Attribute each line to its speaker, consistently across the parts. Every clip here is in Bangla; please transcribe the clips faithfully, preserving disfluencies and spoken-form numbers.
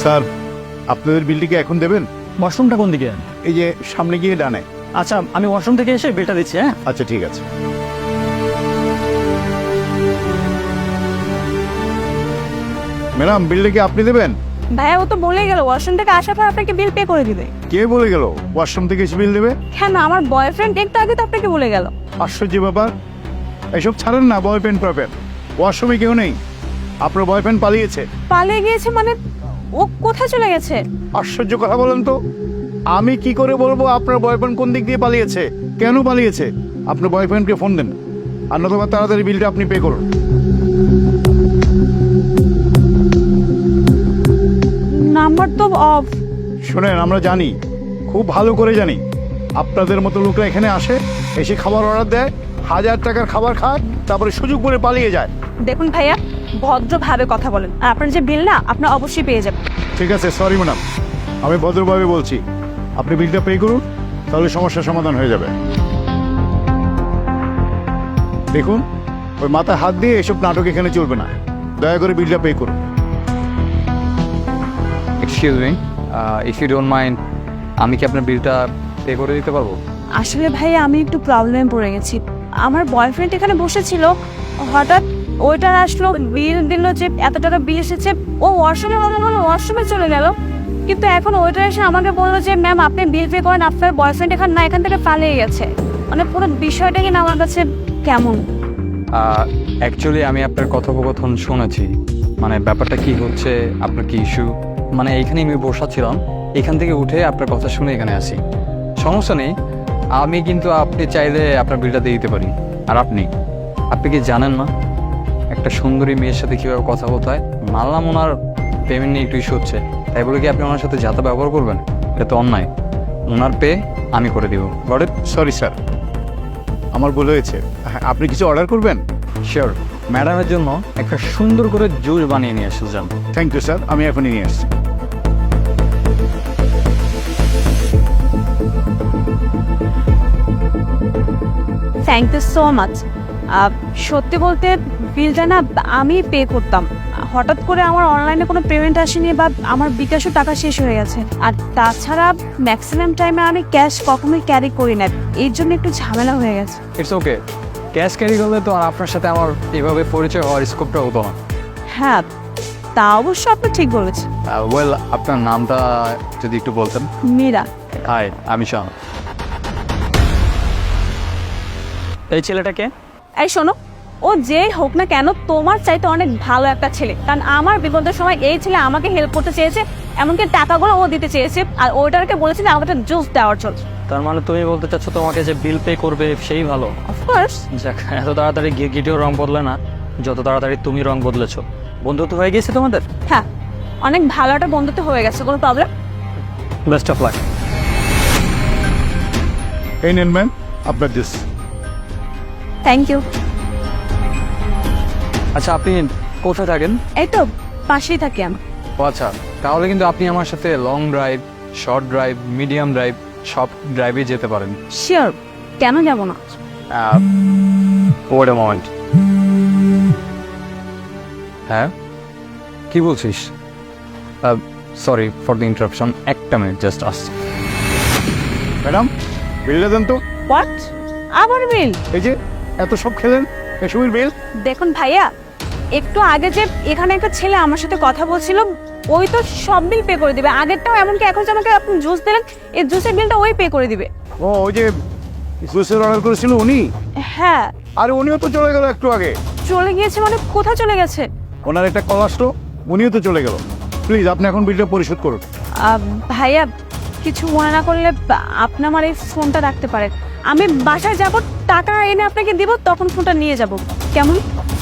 Speaker 1: স্যার, আপনাদের বিলটি কি এখন দেবেন?
Speaker 2: ওয়াশরুমটা কোন দিকে?
Speaker 1: এই যে সামনে গিয়ে ডানে।
Speaker 2: আচ্ছা, আমি ওয়াশরুম থেকে এসে বিলটা দিচ্ছি। হ্যাঁ,
Speaker 1: আচ্ছা ঠিক আছে। ম্যাডাম, বিলটা কি আপনি দেবেন?
Speaker 3: ভাইয়া ও তো বলেই গেল ওয়াশরুম থেকে আসার পর আপনাকে বিল পে করে দিবে।
Speaker 1: কে বলে গেল ওয়াশরুম থেকে এসে বিল দেবে?
Speaker 3: কেন, আমার বয়ফ্রেন্ড একটু আগে তো আপনাকে বলে গেল।
Speaker 1: আশ্চর্য ব্যাপার, এসব ছাড়েন না। বয়ফ্রেন্ড প্রফেন্ড ওয়াশরুমে কেউ নেই, আপনার বয়ফ্রেন্ড পালিয়েছে।
Speaker 3: পালিয়ে গিয়েছে মানে? ও কোথায় চলে গেছে?
Speaker 1: আশ্চর্য কথা বলেন তো, আমি কি করে বলবো আপনার বয়ফ্রেন্ড কোন দিক দিয়ে পালিয়েছে, কেন পালিয়েছে? আপনার বয়ফ্রেন্ডকে ফোন দেন, আর নতুবা তাড়াতাড়ি বিলটা আপনি পে করুন।
Speaker 3: নাম্বার তো অফ।
Speaker 1: শোনেন, আমরা জানি, খুব ভালো করে জানি, আপনাদের মতো লোকরা এখানে আসে, এসে খাবার অর্ডার দেয়, হাজার টাকার খাবার খায়, তারপরে সুযোগ করে পালিয়ে যায়।
Speaker 3: দেখুন ভাইয়া, ভদ্রভাবে কথা বলেন, আর আপনার যে বিল না আপনার অবশ্যই পেয়ে যাবেন।
Speaker 1: ঠিক আছে, সরি ম্যাডাম, আমি ভদ্রভাবে বলছি, আপনি বিলটা পে করুন, তাহলে সমস্যার সমাধান হয়ে যাবে। দেখুন, ওই মাথায় হাত দিয়ে এসব নাটক এখানে চলবে না, দয়া করে বিলটা পে করুন।
Speaker 4: Excuse me, if you don't mind, আমি কি আপনার বিলটা পে করে দিতে পারবো?
Speaker 3: আসলে ভাইয়া আমি একটু প্রবলেমে পড়ে গেছি। আমার বয়ফ্রেন্ড এখানে বসেছিল, হঠাৎ ওইটার আসলো, বিল দিল যে এত টাকা বিল এসেছে। ও ওয়াশরুমে কথা বলে ওয়াশরুমে চলে গেল, কিন্তু এখন ওইটার এসে আমাকে বললো যে ম্যাম আপনি বিল পে করেন, আপনার বয়ফ্রেন্ড এখানে না, এখান থেকে পালিয়ে গেছে। মানে পুরো বিষয়টা কিনা আমার কাছে কেমন।
Speaker 4: অ্যাকচুয়ালি আমি আপনার কথোপকথন শুনেছি, মানে ব্যাপারটা কি হচ্ছে, আপনার কি ইস্যু, মানে এইখানে আমি বসাচ্ছিলাম, এখান থেকে উঠে আপনার কথা শুনে এখানে আসি। সমস্যা নেই, আমি কিন্তু আপনি চাইলে আপনার বিলটা দিয়ে দিতে পারি। আর আপনি আপনি কি জানেন না একটা সুন্দরী মেয়ের সাথে কীভাবে কথা বলতে হয়? মানলাম ওনার পেমেন্ট নিয়ে একটু ইস্যু হচ্ছে, তাই বলে কি আপনি ওনার সাথে যাতা ব্যবহার করবেন? এটা তো অন্যায়। ওনার পে আমি করে দিব। Got it?
Speaker 1: সরি স্যার, আমার ভুল হয়েছে। হ্যাঁ, আপনি কিছু অর্ডার করবেন?
Speaker 4: শিওর, ম্যাডামের জন্য একটা সুন্দর করে জুস বানিয়ে নিয়ে আসতে যান।
Speaker 1: থ্যাংক ইউ স্যার, আমি এখনই নিয়ে আসছি।
Speaker 3: Thank you so much. সত্যি বলতে বিলটা না আমি পে করতাম, হঠাৎ করে আমার অনলাইনে কোনো পেমেন্ট আসেনি বা আমার বিকাশও টাকা শেষ হয়ে গেছে। আর তাছাড়া ম্যাক্সিমাম টাইমে আমি ক্যাশ কখনোই ক্যারি করি না, এর জন্য একটু ঝামেলা হয়ে গেছে।
Speaker 4: ইটস ওকে, ক্যাশ ক্যারি করলে তো আর আপনার সাথে আমার এভাবে পরিচয় হওয়ার স্কোপটা হতো না।
Speaker 3: হ্যাঁ, তা অবশ্য আপনি ঠিক বলেছেন।
Speaker 4: ওয়েল, আপনার নামটা যদি একটু বলতেন।
Speaker 3: মীরা।
Speaker 4: হাই, আমি শাহ।
Speaker 2: এই ছেলেটাকে?
Speaker 3: এই শোনো, ও যেই হোক না কেন তোমার চাইতে অনেক ভালো একটা ছেলে, কারণ আমার বিপদের সময় এই ছেলে আমাকে হেল্প করতে চেয়েছে, এমনকি টাকাগুলো ও দিতে চেয়েছে, আর ওটাকে বলেছিল আমাকে জুস দেওয়ার জন্য।
Speaker 2: তার মানে তুমি বলতে চাচ্ছ তোমাকে যে বিল পে করবে সেই ভালো?
Speaker 3: অফকোর্স।
Speaker 2: যাক, এত তাড়াতাড়ি গি- গিটিও রং বদলে না, যত তাড়াতাড়ি তুমি রং বদলেছো। বন্ধুত্ব হয়ে গেছে তোমাদের?
Speaker 3: হ্যাঁ, অনেক ভালো একটা বন্ধুত্ব হয়ে গেছে, কোনো প্রবলেম।
Speaker 2: Best of luck.
Speaker 1: এই নেন ম্যাম আপনার জুস।
Speaker 3: Thank you.
Speaker 4: আচ্ছা, আপনি কোথায় থাকেন?
Speaker 3: এই তো পাশেই থাকি আমি।
Speaker 4: ও আচ্ছা, তাহলে কিন্তু আপনি আমার সাথে long drive, short drive, medium drive সব ড্রাইভে যেতে পারেন।
Speaker 3: শিওর, কেন যাব না?
Speaker 4: Wait a moment. হ্যাঁ, কি বলছিস? সরি ফর দ্য ইন্টারাপশন, একটা মিনিট জাস্ট আসছি।
Speaker 1: ম্যাডাম, বিলটা দেন তো।
Speaker 3: হোয়াট? আবার বিল?
Speaker 1: এই যে এত সব খেলেন, এসবের বিল।
Speaker 3: দেখুন ভাইয়া, একটু আগে যে এখানে একটা ছেলে আমার সাথে কথা বলছিল, ওই তো সব বিল পে করে দিবে, আগেরটাও, এমনকি এখন যে আমাকে আপনি জুস দিলেন এই জুসের বিলটা ওই পে করে দিবে।
Speaker 1: ও, ওই যে জুসের অর্ডার করেছিল উনি?
Speaker 3: হ্যাঁ।
Speaker 1: আর উনিও তো চলে গেল একটু আগে।
Speaker 3: চলে গিয়েছে মানে কোথায় চলে গেছে?
Speaker 1: ওনার একটা কল আসলো, উনিও তো চলে গেল। প্লিজ আপনি এখন বিলটা পরিশোধ করুন।
Speaker 3: আহ, ভাইয়া কিছু মনে না করলে আপনি আমার এই ফোনটা রাখতে পারেন, আমি বাসায় যাব, টাকা এনে আপনাকে দিব, তখন ফোনটা নিয়ে যাব, কেমন?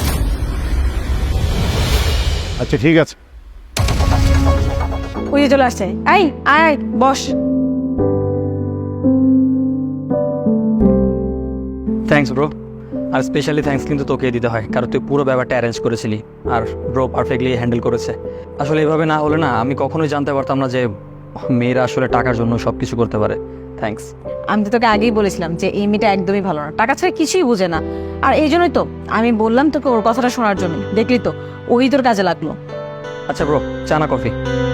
Speaker 1: আচ্ছা ঠিক আছে।
Speaker 3: ওই যে চলে আসছে, এই আয় আয় বস।
Speaker 2: Thanks bro. আর স্পেশালি থ্যাঙ্কস কিন্তু তোকে দিতে হয়, কারণ তুই পুরো ব্যাপারটা অ্যারেঞ্জ করেছিলি, আর ব্রো পারফেক্টলি হ্যান্ডেল করেছে। আসলে এভাবে না হলে না আমি কখনোই জানতে পারতাম না যে মেয়েরা আসলে টাকার জন্য সব কিছু করতে পারে। থ্যাঙ্কস।
Speaker 3: আমি তো তোকে আগেই বলেছিলাম যে এই মেয়েটা একদমই ভালো না, টাকা ছাড়া কিছুই বুঝে না, আর এই জন্যই তো আমি বললাম তোকে ওর কথাটা শোনার জন্য, দেখলি তো ওই তোর কাজে লাগলো।
Speaker 2: আচ্ছা ব্রো, চা না কফি?